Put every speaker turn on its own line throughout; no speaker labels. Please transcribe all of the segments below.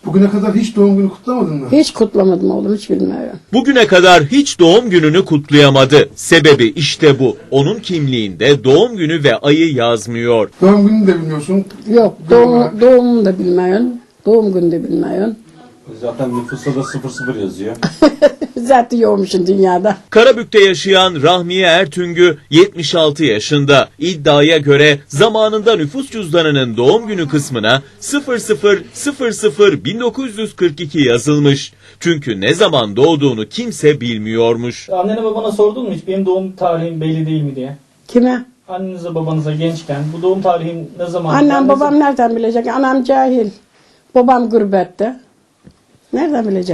Bugüne kadar hiç doğum günü kutlamadın mı?
Hiç kutlamadım oğlum, hiç bilmiyorum.
Bugüne kadar hiç doğum gününü kutlayamadı. Sebebi işte bu. Onun kimliğinde doğum günü ve ayı yazmıyor.
Doğum gününü de bilmiyorsun.
Yok, doğumumu da bilmiyorum. Doğum günü de bilmiyorum.
Zaten nüfusta da 00 yazıyor.
Zaten yoğmuşum dünyada.
Karabük'te yaşayan Rahmiye Ertüngü 76 yaşında. İddiaya göre zamanında nüfus cüzdanının doğum günü kısmına 00001942 yazılmış. Çünkü ne zaman doğduğunu kimse bilmiyormuş.
Annene babana sordun mu hiç benim doğum tarihim belli değil mi diye?
Kime?
Annenize babanıza gençken bu doğum tarihim ne zaman?
Annem babam nereden bilecek? Anam cahil. Babam gurbette. Nereden bilecek?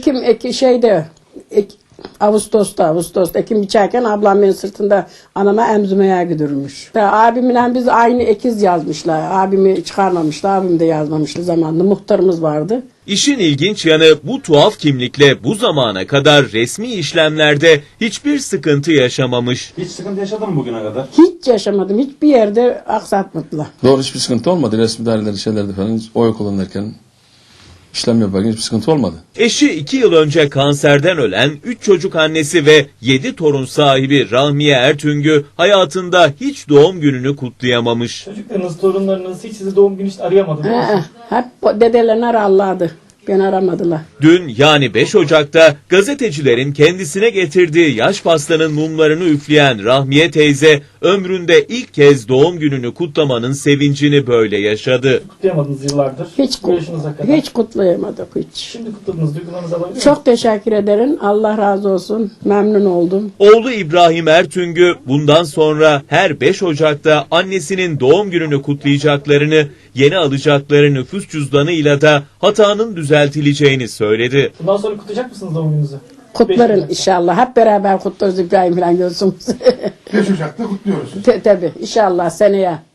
Ağustos'ta ekim biçerken ablam beni sırtında anama emzirmeye götürmüş. Abimle biz aynı ekiz yazmışlar. Abimi çıkarmamışlar, abim de yazmamıştı zamanında. Muhtarımız vardı.
İşin ilginç yanı bu tuhaf kimlikle bu zamana kadar resmi işlemlerde hiçbir sıkıntı yaşamamış.
Hiç sıkıntı yaşadın mı bugüne kadar?
Hiç yaşamadım. Hiçbir yerde aksatmadılar.
Doğru, hiçbir sıkıntı olmadı. Resmi dairelerde, şeylerde falan hiç oy kullanırken, işlem yaparken hiçbir sıkıntı olmadı.
Eşi 2 yıl önce kanserden ölen 3 çocuk annesi ve 7 torun sahibi Rahmiye Ertüngü hayatında hiç doğum gününü kutlayamamış.
Çocuklarınız, torunlarınız hiç sizi doğum günü hiç arayamadı değil mi?
Hep dedelerini ararlardı. Beni aramadılar.
Dün yani 5 Ocak'ta gazetecilerin kendisine getirdiği yaş pastanın mumlarını üfleyen Rahmiye teyze ömründe ilk kez doğum gününü kutlamanın sevincini böyle yaşadı.
Kutlayamadınız yıllardır. Bu yaşınıza kadar.
Hiç kutlayamadık hiç.
Şimdi kutladınız. Duygularınızı alabilir miyim?
Çok teşekkür ederim. Allah razı olsun. Memnun oldum.
Oğlu İbrahim Ertüngü bundan sonra her 5 Ocak'ta annesinin doğum gününü kutlayacaklarını, yeni alacakları nüfus cüzdanıyla da hatanın düzeltileceğini söyledi.
Bundan sonra kutlayacak mısınız doğum gününüzü?
Kutlarım
5
inşallah. Hep beraber kutlarız İbrahim falan gözümüz.
5 Ocak'ta kutluyoruz.
Tabii inşallah seneye.